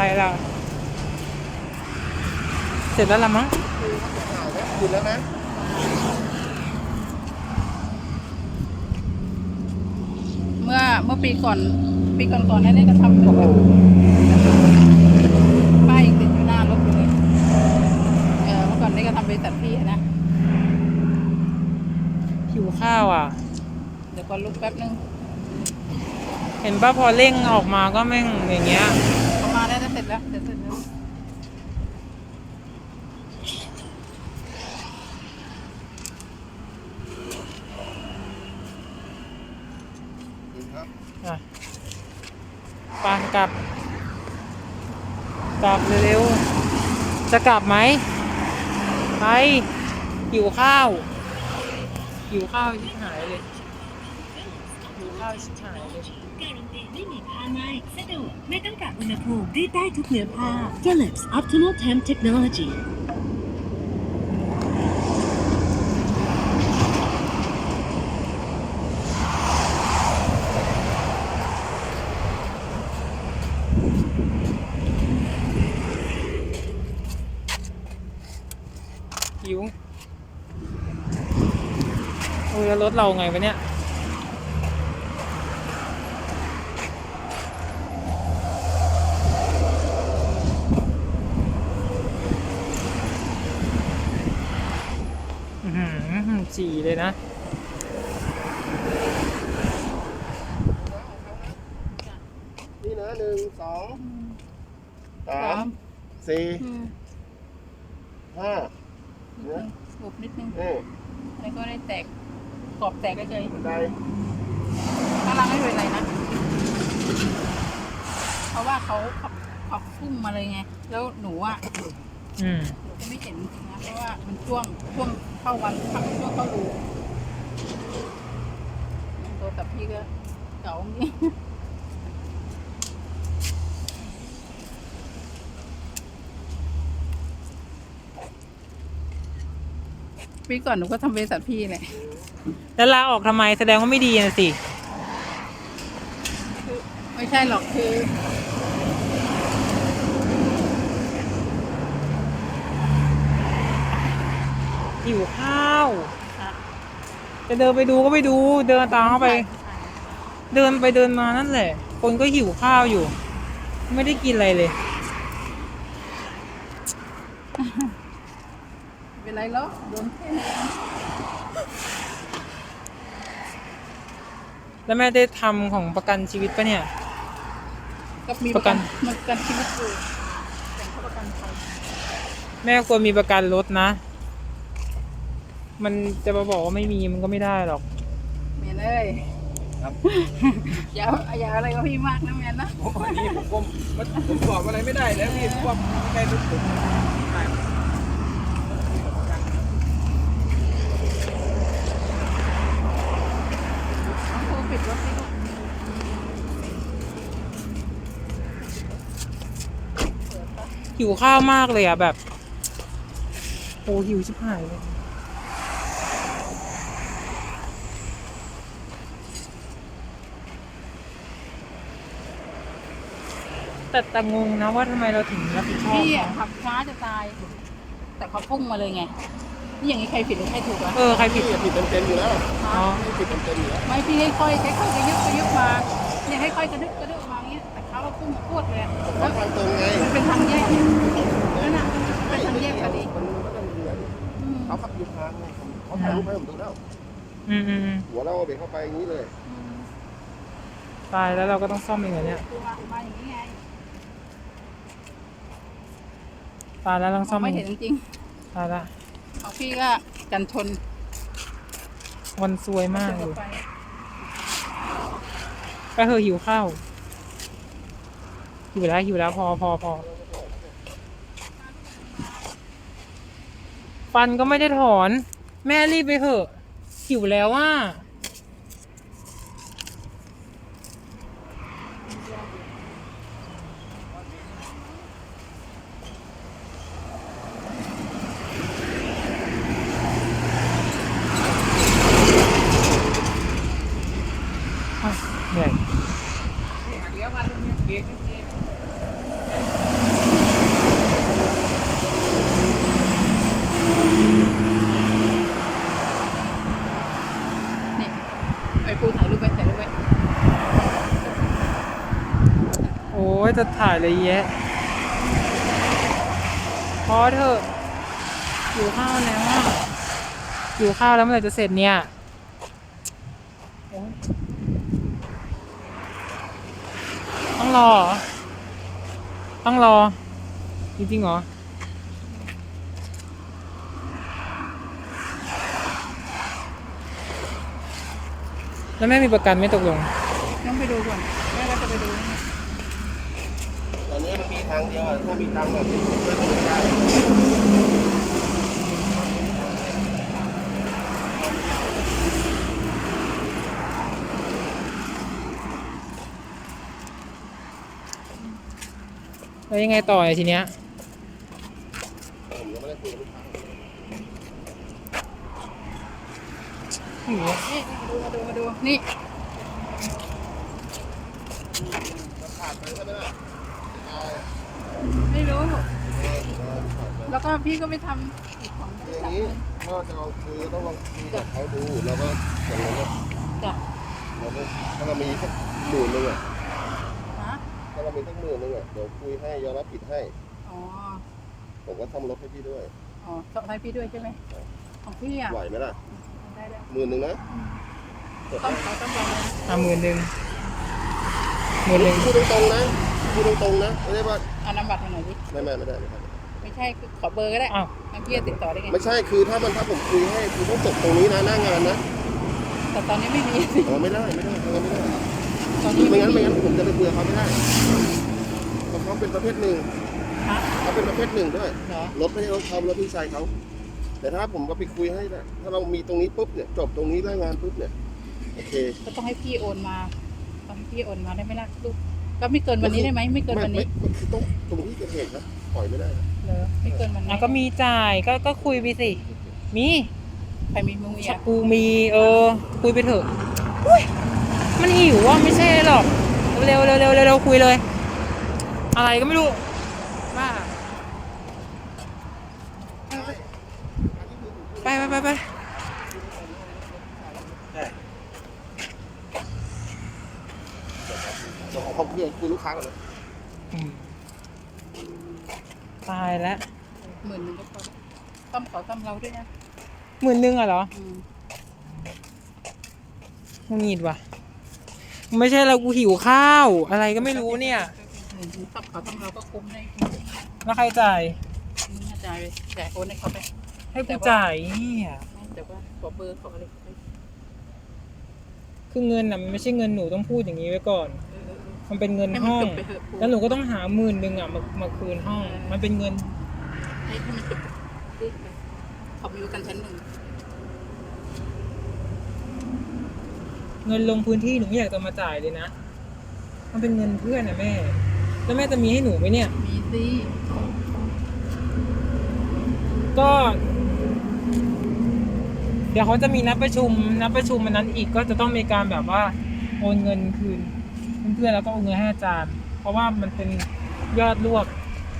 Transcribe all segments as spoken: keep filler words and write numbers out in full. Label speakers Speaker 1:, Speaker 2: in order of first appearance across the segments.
Speaker 1: อะไรล่ะเสร็จแล้วละมั้ง
Speaker 2: หยุดแล้วนะ
Speaker 3: เมื่อเมื่อปีก่อนปีก่อนก่อนนั้นก็ทำแบบป้ายยังติดอยู่หน้ารถอยู่เลยเออเมื่อก่อนนี่ก็ทำบริษัทพี่นะ
Speaker 1: หิวข้าวอ่ะ
Speaker 3: เดี๋ยวก่อนลุกแป๊บนึง
Speaker 1: เห็นป่ะพอเร่งออกมาก็แม่งอย่างเงี้ย
Speaker 3: ประมาณได้เสร็จแล้วเสร็จแล้ว
Speaker 1: อ่ะปานกลับกลับเร็วๆจะกลับไหมไปหิวข้าวหิวข้าวชิบหายเลยหิวข้าวชิบหายเลย
Speaker 4: การันตีไม่มีผ้าไหม้สะดวกไม่ต้องปรับอุณหภูมิรีดได้ทุกเนื้อผ้า Philips Optimal Temp Technology
Speaker 1: หิวโอ้ยแล้วรถเราไงวะเนี่ยอือหือจีเลยนะ
Speaker 2: นี่นะหนึ่งสองสามสี่ห้า
Speaker 3: บุบนิดนึง
Speaker 2: เออ
Speaker 3: แล้วก็ได้แตกกรอบแตกก็เฉย
Speaker 2: ได้
Speaker 3: ข้างล่างไม่เป็นไรนะเพราะว่าเขาขับขับพุ่งมาเลยไงแล้วหนูอ่ะ
Speaker 1: อืม
Speaker 3: หนูก็ไม่เห็นจริงนะเพราะว่ามันช่วงช่วงเข้าวันขับช่วงเข้ารูตัวกับพี่ก็เก่าอย่างนี้ปีก่อนหนูก็ทำบริษัทพี่แหละ
Speaker 1: แล้วลาออกทำไมแสดงว่าไม่ดีนะสิ
Speaker 3: ไม่ใช่หรอกคือ
Speaker 1: หิวข้าวจะเดินไปดูก็ไปดูเดินตามเข้าไปเดินไปเดินมานั่นแหละคนก็หิวข้าวอยู่ไม่ได้กินอะไรเลย
Speaker 3: เป็นไรหรอโดนแค่นี้
Speaker 1: แล้วแม่ได้ทำของประกันชีวิตปะเนี่ย
Speaker 3: ก็มีประกันประกันชีวิตอยู่แต่เขาประกันภัย
Speaker 1: แม่ควรมีประกันรถนะมันจะมาบอกว่าไม่มีมันก็ไม่ได้หรอก
Speaker 3: เมียนเอ้ยครับอย่าอย่าอะไรก็พี่มากนะเมียนนะ
Speaker 2: โอ้ยนี่ผมผมผมบอกอะไรไม่ได้แล้วพี่ว่าแค่ทุกผม
Speaker 3: ปิดรถให้ลูก
Speaker 1: หิวข้าวมากเลยอ่ะแบบโอ้หิวชิบหายเลยแต่แต่งงนะว่าทำไมเราถึงรับผิดชอบ
Speaker 3: พี่อ่ะขับช้าจะตายแต่เขาพุ่งมาเลยไงนี่อย่างนี้ใครผิดหรือใครถูกอ่ะ
Speaker 1: เออใครผิด
Speaker 2: ผิดเต็มๆอยู่แล้วอ๋อผิดเต็มๆอยู่แล้ว
Speaker 3: ไม่พี่ให้ค่อยให้ค่อยกระยึกกระยึกมาเนี่ยให้ค่อยกระดึกกระดึกมาอย่างเงี้ยแต่เขาพุ่งมาพวดเลย
Speaker 2: แล้วทางตรงไง
Speaker 3: มันเป็นทางแยกนั่นน่ะเป็นทางแยกพอดี
Speaker 2: เขาขับอยู่ทางเขาถ่ายรูปให้ผมดูแล้ว
Speaker 1: อืมอืม
Speaker 2: หัวเราเบรกเข้าไปอย่างนี้เลย
Speaker 1: ตายแล้วเราก็ต้องซ่อมเองเหรอเนี่ย
Speaker 3: มาอย่างนี้ไง
Speaker 1: ตายแล้วต้องซ่อม
Speaker 3: ไม่เห็นจริง
Speaker 1: ตายละ
Speaker 3: ของพี่ก็กันชน
Speaker 1: วันซวยมากเลยไปเถอะหิวข้าวหิวแล้วหิวแล้วพอพอพอฟันก็ไม่ได้ถอนแม่รีบไปเถอะหิวแล้วว่าเหนื่อยอ้ยจะถ่ายอะไรแยะพอเถอะอยู่ข้าวแล้วอ่ะอยู่ข้าวแล้วเมื่อไหร่จะเสร็จเนี่ยโอ๊ยต้องรอเหรอต้องรอจริงๆเหรอแล้วแม่มีประกันไม่ตกลง
Speaker 3: ต้องไปดูก่อนแม่ก็จะไปดู
Speaker 2: ตอนนี้มันมีทางเดียวอะถ้ามีตังค์แบบนี้ผมก็ทำไม่ได้
Speaker 1: แล้วยังไงต่อเนี่ยทีเนี้ย
Speaker 2: ผมยังไม่ได้คุยกับลูกค้า
Speaker 1: หิวอะ
Speaker 3: นี่ดูมาดูมาดูนี่
Speaker 2: ขาดไปใช่ไหมล่ะ
Speaker 3: ไม่รู้ แล้วก็พี่ก็ไม่ทำอีกของ
Speaker 2: คืออย่างนี้ถ้าจะลองคือต้องลองคุยกับเขาดูแล้วก็อย่างนั้นก็
Speaker 3: จ้ะ
Speaker 2: เราก็ถ้าเรามีสักหมื่นหนึงอ่ะ
Speaker 3: ฮะ
Speaker 2: ถ้าเรามีสักหมื่นหนึงอ่ะเดี๋ยวคุยให้ยอมรับผิดให้
Speaker 3: อ๋อ
Speaker 2: ผมก็ซ่อมรถให้พี่ด้วย
Speaker 3: อ๋อสอบให้พี่ด้วยใช่ไหมของพี่อ่ะ
Speaker 2: ไหวไหมล่ะ
Speaker 3: ได้ได้
Speaker 2: หมื่นหนึงนะ
Speaker 3: ต้องเขาต้องลองนะ
Speaker 1: อ่ะหมื่นหนึ่งหมื่นหนึ่ง
Speaker 2: พูดตรงๆนะพูดตรงๆนะไม่ได้ว่า
Speaker 3: เอานำบัตรมาหน่อยดิ
Speaker 2: ไม่ไม่ไม่ได้ไม่ได้
Speaker 3: ไม่ใช่คือขอเบอร์ก็ได้
Speaker 1: อ้าว
Speaker 3: มันพี่จะติดต่อได้ไง
Speaker 2: ไม่ใช่คือถ้ามันถ้าผมคุยให้คือต้องจบตรงนี้นะหน้างานนะ
Speaker 3: แต่ตอนนี้ไม่มี
Speaker 2: อ๋อไม่ได้ไม่ได้ไม่ได้ไม่ได้
Speaker 3: ตอนนี้
Speaker 2: ไม่
Speaker 3: ไม่
Speaker 2: งั้นไม่
Speaker 3: มี
Speaker 2: งั้นผมจะไปคุยกับเขาไม่ได้เพราะเขาเป็นประเภทหนึ่ง
Speaker 3: ฮะ
Speaker 2: เขาเป็นประเภทหนึ่งด้วย
Speaker 3: เหรอ
Speaker 2: รถไม่ใช่รถเขารถพี่ชายเขาแต่ถ้าผมก็ไปคุยให้นะถ้าเรามีตรงนี้ปุ๊บเนี่ยจบตรงนี้ได้งานปุ๊บเนี่ยโอเค
Speaker 3: ก็ต้องให้พี่โอนมาต้องให้พี่โอนมาได้ไหมล่ะลูกก็ไม่เกินวันนี้ได้ไหมไม่เกินวันนี้
Speaker 2: ไม่คือต้องตรงที่เกิดเหตุนะปล่อยไม่ได้นะ
Speaker 3: เหรอไม่เกินวันนี้
Speaker 1: อ่ะก็มีจ่ายก็ก็คุยไปสิ มี
Speaker 3: ใครมีมึงมีอ่ะ
Speaker 1: กูมีเออ คุยไปเถอะอุ้ยมันหิวอ่ะไม่ใช่หรอก เร็วเร็วเร็วเร็วเร็วคุยเลย อะไรก็ไม่รู้บ้าไปไปไปไป
Speaker 2: เดี๋ยวขอเขาคุยคุยลูกค้าก่อนนะ
Speaker 1: อืมตายแล้ว
Speaker 3: หมื่นหนึ่งก็พอต้อมขอต้อมเราด้วยนะ
Speaker 1: หมื่นหนึ่งอ่ะเหรอ
Speaker 3: อืม
Speaker 1: มึงหงิดว่ะ ไม่ใช่เรากูหิวข้าว อะไรก็ไม่รู้เนี่ย
Speaker 3: หมื่นหนึ่งต้อมขอต้อมเราก็คุ้มได้
Speaker 1: แล้วใครจ่าย
Speaker 3: มึงน่าจ่ายไปจ่ายโอนให้เขาไป
Speaker 1: ให้กูจ่ายเนี่ย
Speaker 3: ไม่แต่ว่าขอเบอร์ขออะไรเขาไป
Speaker 1: คือเงินน่ะมันไม่ใช่เงินหนูต้องพูดอย่างนี้ไว้ก่อน
Speaker 3: เออเออเออ
Speaker 1: มันเป็นเงิน
Speaker 3: ให้มัน
Speaker 1: ห้อง
Speaker 3: จบไปเถอะ
Speaker 1: แล้วหนูก็ต้องหาหมื่นหนึ่งอ่ะมามาคืนห้อง มันเป็นเงิน
Speaker 3: ให้ให้มันจบรีบไปเขามีประกันชั้นหนึ่ง
Speaker 1: เงินลงพื้นที่หนูไม่อยากจะมาจ่ายเลยนะ มันเป็นเงินเพื่อนนะแม่ แล้วแม่จะมีให้หนูไหมเนี่ย
Speaker 3: มีสิ
Speaker 1: ก็ เดี๋ยวเขาจะมีนัดประชุม นัดประชุมมันนั้นอีกก็จะต้องมีการแบบว่าโอนเงินคืนเพื่อนๆแล้วก็โอนเงินให้อาจารย์ เพราะว่ามันเป็นยอดรวบ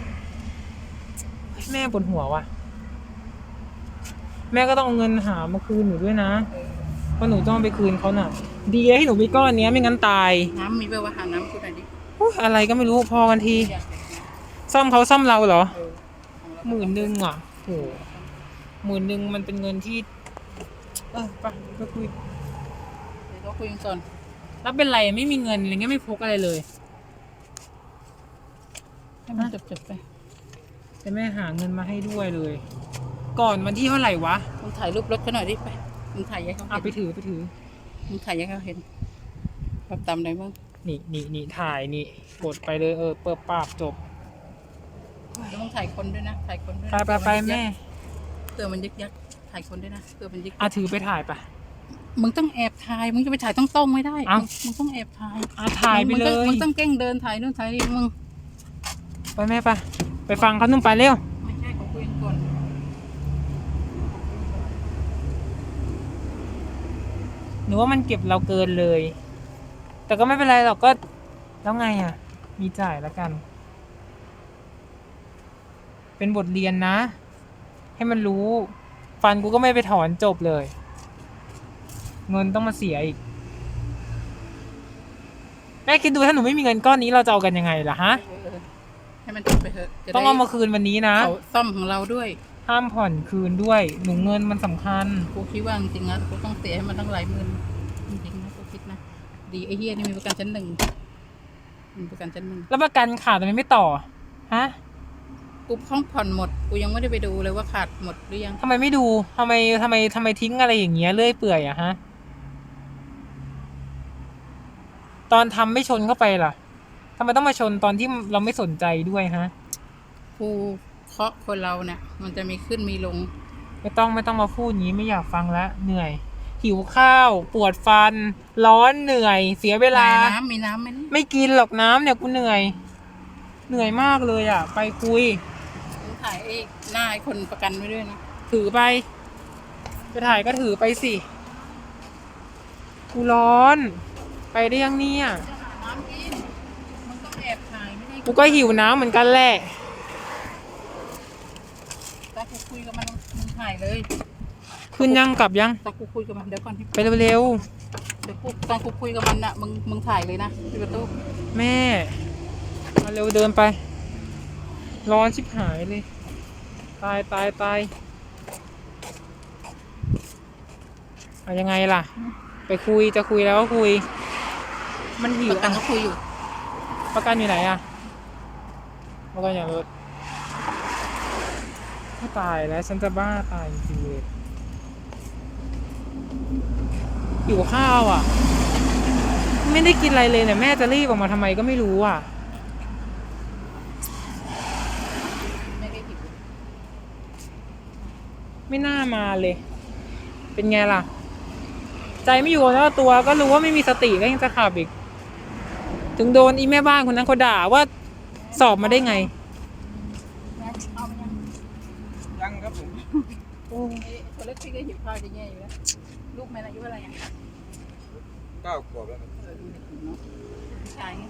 Speaker 1: แม่ปวดหัวว่ะ แม่ก็ต้องเอาเงินหามาคืนหนูด้วยนะ เพราะหนูต้องไปคืนเขาน่ะ ดีเลยให้หนูมีก้อนเนี้ยไม่งั้นตาย
Speaker 3: น้ำมีแบบว่าหาน้ำคุณหน่อยดิ
Speaker 1: อุ๊ยอะไรก็ไม่รู้พอกันที
Speaker 3: อยากได้น้
Speaker 1: ซ่อมเขาซ่อมเราเหรอ
Speaker 3: ำเออของเรา
Speaker 1: หมื่นหนึ่งอ่ะโหหมื่นหนึ่งมันเป็นเงินที่ เออไปไปคุย
Speaker 3: เดี๋ยวเราคุยกันก่อน
Speaker 1: แล้วเป็นไรไม่มีเงินอะไรเงี้ยไม่พกอะไรเลย
Speaker 3: ให้มันจบจบๆไป
Speaker 1: แต่แม่หาเงินมาให้ด้วยเลย ก่อนวันที่เท่าไหร่วะ
Speaker 3: มึงถ่ายรูปรถเขาหน่อยดิไปมึงถ่ายให้เขา
Speaker 1: เอาไป
Speaker 3: เห็น
Speaker 1: ถือไปถือ
Speaker 3: มึงถ่ายให้เขาเห็นแบบตามไหนบ้าง
Speaker 1: นี่นี่นี่ถ่ายนี่กดไปเลยเออเปิดปากจบ
Speaker 3: แล้วมึงถ่ายคนด้วยนะถ่ายคนด้วย
Speaker 1: ไป
Speaker 3: นะ
Speaker 1: ไปไปแม่
Speaker 3: เตือมันยึกยักถ่ายคนด้วยนะเตือมันยึก
Speaker 1: อาถือไปถ่ายปะ
Speaker 3: มึงต้องแอบถ่ายมึงจะไปถ่ายต้องต้องๆไม่ได้
Speaker 1: เอ้า
Speaker 3: มึงมึงต้องแอบถ่าย
Speaker 1: อาถ่ายไป
Speaker 3: มึง
Speaker 1: เล
Speaker 3: ต้อง
Speaker 1: ย
Speaker 3: มึงต้องแกล้งเดินถ่ายนู่นถ่ายนี่มึง
Speaker 1: ไปแม่ไปไปฟังเขานุ่มไปเร็ว
Speaker 3: ไม่ใช่เขาคุยกันก่อน
Speaker 1: หนูว่ามันเก็บเราเกินเลย แต่ก็ไม่เป็นไรหรอกก็แล้วไงอ่ะ มีจ่ายแล้วกัน เป็นบทเรียนนะ ให้มันรู้ ฟันกูก็ไม่ไปถอนจบเลย เงินต้องมาเสียอีก แม่ม่คิดดูถ้าหนูไม่มีเงินก้อนนี้เราจะเอากันยังไงล่ะฮะ
Speaker 3: เออให้มันจบไปเถอะจะได้
Speaker 1: ต้องเอามาคืนวันนี้นะ
Speaker 3: เขาซ่อมของเราด้วย
Speaker 1: ห้ามผ่อนคืนด้วยหนูเงินมันสำคัญ
Speaker 3: กูคิดว่าจริงๆนะกูต้องเสียให้มันตั้งหลายหมื่นจริงๆนะกูคิดนะดีไอ้เฮียนี่มีประกันชั้นหนึ่งมีประกันชั้นหนึ่ง
Speaker 1: แล้วประกันขาดทำไมไม่ต่อฮะ
Speaker 3: กูห้องผ่อนหมดกูยังไม่ได้ไปดูเลยว่าขาดหมดหรือยัง
Speaker 1: ทำไมไม่ดูทำไมทำไมทำไมทิ้งอะไรอย่างเงี้ยเลื่อยเปื่อยอะฮะตอนทำไม่ชนเข้าไปล่ะทำไมต้องมาชนตอนที่เราไม่สนใจด้วยฮะ
Speaker 3: กูเคาะคนเราเนี่ยมันจะมีขึ้นมีลง
Speaker 1: ไม่ต้องไม่ต้องมาพูดอย่างนี้ไม่อยากฟังแล้วเหนื่อย หิวข้าว ปวดฟัน ร้อนเหนื่อย เสียเวลา
Speaker 3: น้ำมีน้ำไหมนี่
Speaker 1: ไม่กินหรอกน้ำเนี่ยกูเหนื่อย เหนื่อยมากเลยอ่ะ ไปคุย
Speaker 3: กูถ่ายไอ้หน้าไอ้คนประกันไว้ด้วยนะ
Speaker 1: ถือไปไปถ่ายก็ถือไปสิกูร้อน ไปได้ยังเนี่ย
Speaker 3: จะหาน้ำกินมันต้องแอบถ่ายไม่ได้
Speaker 1: กูก็หิวน้ำเหมือนกันแหละ
Speaker 3: แต่กูคุยกับมันมึงถ่ายเลย
Speaker 1: ขึ้นยังกลับยัง
Speaker 3: แต่กูคุยกับมันเดี๋ยวก่อนที่
Speaker 1: ไปเร็ว
Speaker 3: เดี๋ยวกูตอนกูคุยกับมันน่ะมึงมึงถ่ายเลยนะที่ประตู
Speaker 1: ๆแม่มาเร็วเดินไป ร้อนชิบหายเลย ตายตายตายเอายังไงล่ะ ไปคุยจะคุยแล้วก็คุย มันหิ
Speaker 3: ป
Speaker 1: ว
Speaker 3: ระกัน
Speaker 1: อ่ะ
Speaker 3: ก็คุยอยู่
Speaker 1: ประกันอยู่ไหนอ่ะประกันอย่างรถไม่ตายแล้วฉันจะบ้าตายจริงๆเลยหิวข้าวอ่ะ ไม่ได้กินอะไรเลยเนี่ยแม่จะรีบออกมาทำไมก็ไม่รู้อ่ะ
Speaker 3: ไม่ได้หิว
Speaker 1: ไม่น่ามาเลย เป็นไงล่ะ ใจไม่อยู่แล้วตัวก็รู้ว่าไม่มีสติก็ยังจะขับอีก ถึงโดนอีแม่บ้านคนนั้นเขาด่าว่าสอบมาได้ไง
Speaker 3: เอาไปยัง
Speaker 2: ยังครับผม
Speaker 1: โอ้
Speaker 3: ไอ้ตัวเล็กที่ก็หิวข้าวจะแย่อยู่แล้วลูกแม่อายุอะไรอ่ะ
Speaker 2: เก้าขวบแล้วครับ
Speaker 3: เออดูเด็กเนาะผู้ชายไง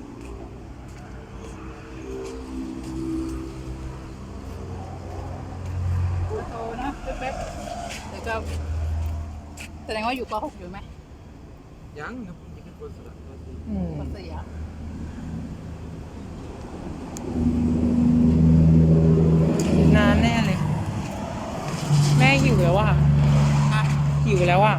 Speaker 3: โตนะแป๊บๆแล้วก็แสดงว่าอยู่ป .หก อยู่ไหม
Speaker 2: ยังครับผมยังเป็นคนสลับ
Speaker 1: อืม
Speaker 3: ป .สี่ อ่ะ
Speaker 1: นานแน่เลย แม่หิวแล้วอ่ะ
Speaker 3: อ่ะ
Speaker 1: หิวแล้วอ่ะ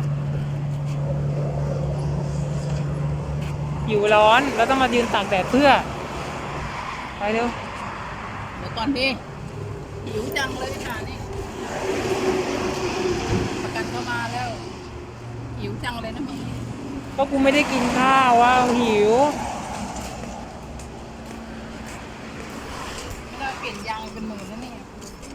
Speaker 1: หิวร้อนแล้วต้องมายืนตากแดดเพื่อ ไปเร็ว
Speaker 3: เดี๋ยวก่อนดิหิวจังเลยค่ะนี่ประกันเข้ามาแล้วหิวจังเลยนะมึง
Speaker 1: ก็กูไม่ได้กินข้าวว่าหิว
Speaker 3: ไม่ได้เปลี่ยนยางเป็นหมื่นแล้วเนี่ย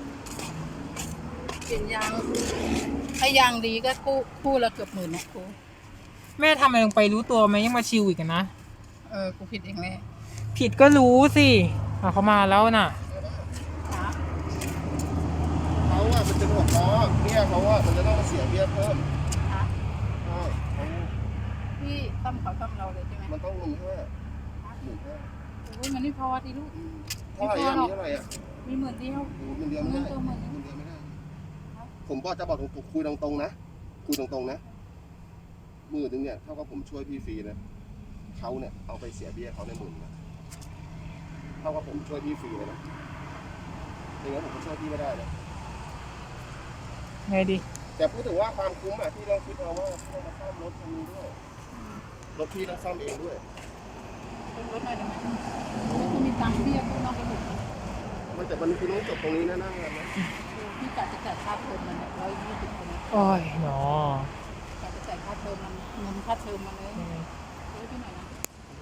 Speaker 3: เปลี่ยนยางถ้ายางดีก็คู่คู่ละเกือบหมื่นนะกู
Speaker 1: แม่ทำอะไรลงไปรู้ตัวไหมยังมาชิวอีกอะนะ
Speaker 3: เออกูผิดเองแหละ
Speaker 1: ผิดก็รู้สิอ่ะเขามาแล้วน่ะ
Speaker 3: ครับ
Speaker 2: เขาอะมันเป็นหัวล้อเบี้ยเขาอะมันจะต้องมาเสียเบี้ยเพิ่ม
Speaker 3: ครับ
Speaker 2: ใช่เขา
Speaker 3: พี่ตั้มเขาตั้มเราเลยใช่ไหม
Speaker 2: มันต้องหนึ่งห้าหนึ่งห้า
Speaker 3: โอ้ยมันไม่พอทีลูก
Speaker 2: เท่าไหร่อะมีเท่าไหร่อะ
Speaker 3: มีหมื่นเดียว
Speaker 2: โอ้เงินเดือนไม่ได้
Speaker 3: เงินเดือนหมื่น
Speaker 2: เงินเดือนไม่ได้ ผมก็จะบอกตรงๆคุยตรงๆนะคุยตรงๆนะหมื่นหนึ่งเนี่ยเท่ากับผมช่วยพี่ฟรีนะเขาเนี่ยเอาไปเสียเบี้ยเขาในหมื่นนะเท่ากับผมช่วยพี่ฟรีเลยนะอย่างนั้นผมก็ช่วยพี่ไม่ได้นะ
Speaker 1: ไงดี
Speaker 2: แต่พูดถึงว่าความคุ้มอะที่เราคิดเอาว่าที่เรามาซ่อมรถคันนี้ด้วยรถพี่ต้องซ่อมเองด้วย
Speaker 3: เป็นรถหน่อยได้ไหมกูมีตังค์พี่กูนอกไปหมด
Speaker 2: มันแต่มันคือต้องจบตรงนี้นะนั่งกันนะ
Speaker 3: พี่กะจะจ่ายค่าเทอมมันเนี่ยร้อยยี่สิบคน
Speaker 1: โอ้ยหนอก
Speaker 3: ะจะจ่ายค่าเทอมมันเงินค่าเทอมมันเลยเฮ้ยพี่ไหนนะ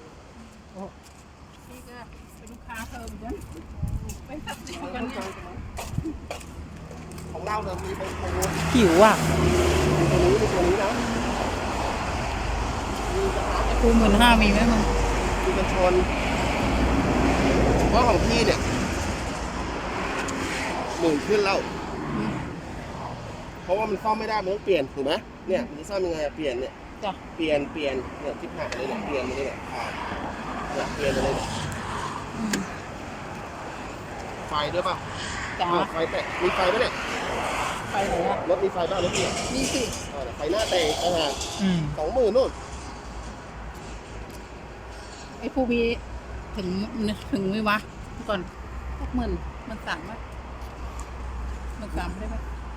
Speaker 3: พี่ก็เป็นลูกค้าเทอมกันไปตัดสินกันเนี่ย
Speaker 2: ของเราเนี่ยมีเป็นโปรโม
Speaker 1: หิวอ่ะ
Speaker 2: มีตัวนี้มีตัวนี้นะมีกระทะ
Speaker 3: กูหมื่นห้ามีไหมมึง
Speaker 2: มีกันชนเพราะของพี่เนี่ยหมื่นขึ้นแล้ว เพราะว่ามันซ่อมไม่ได้มันต้องเปลี่ยนถูกไหมเนี่ยมันจะซ่อมยังไงอะเปลี่ยนเนี่ย
Speaker 3: จ้ะ
Speaker 2: เปลี่ยนเปลี่ยนเนี่ยที่ผ่านเลยเนี่ยเปลี่ยนมาเลยเนี่ยผ่านเนี่ยเปลี่ยนมาเลยเนี่ยไฟด้วยป่ะ
Speaker 3: จ้ะ
Speaker 2: อ้าวไฟแตะมีไฟไหมเนี่ย
Speaker 3: ไปไหนอ่ะ
Speaker 2: รถมีไฟบ้างรถเนี่ย
Speaker 3: นี่สิ
Speaker 2: ไฟหน้าแตกต่างหาก
Speaker 1: อืม
Speaker 2: สองหมื่นนู่น
Speaker 3: ไอ้ผู้มีถึงถึงไหมวะก่อนหกหมื่นมันสามไหมมันสามได้ไหม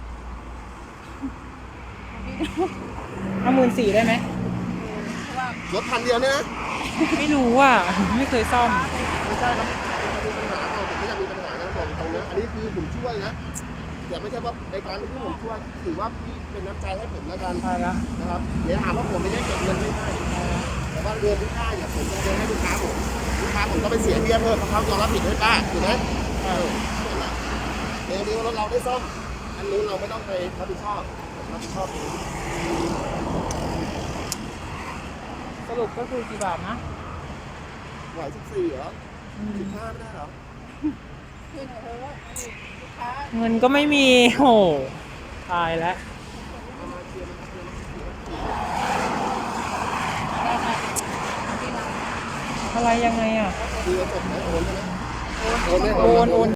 Speaker 1: เอาหมื่นสี่ได้ไหม
Speaker 3: เพราะว่าร
Speaker 2: ถพันเดียวเนี่ยนะ
Speaker 1: ไม่รู้อ่ะ ไม่เคยซ่อม
Speaker 2: ไม่ใช่ครับมีปัญหาเราผมไม่อยากมีปัญหานะบอกตรงนะอันนี้คือผมช่วยนะแต่ไม่ใช่ว่าในการที่ผมช่วยถือว่าพี่เป็นน้ำใจให้ผมแล้วกัน
Speaker 1: ใช่ละ
Speaker 2: นะครับเดี๋ยวหาว่าผมไม่ได้เก็บเงินไม่ได้แต่ว่าเงินที่ได้เนี่ยผมจะเดินให้ลูกค้าผมลูกค้าผมก็ไปเสียเบี้ยเพิ่มเพราะเขายอมรับผิดให้ป้าถูกไหมเออนั่นแหละเดี๋ยวนี้รถเราได้ซ่อมอันนู้นเราไม่ต้องไปรับผิดชอบรับผิดชอบเอง
Speaker 1: สรุปก็คือกี่บาทนะ
Speaker 2: ไหวสิบสี่เหรอสิบห้าไม่ได้เหรอ
Speaker 3: เพื่อนเธอว่าลูกค้า
Speaker 1: เงินก็ไม่มีโหตายแล้ว อะไรยังไงอ่ะ
Speaker 2: คือจบไหมโอนใช่ไหมโอนไหม
Speaker 1: โอนโอน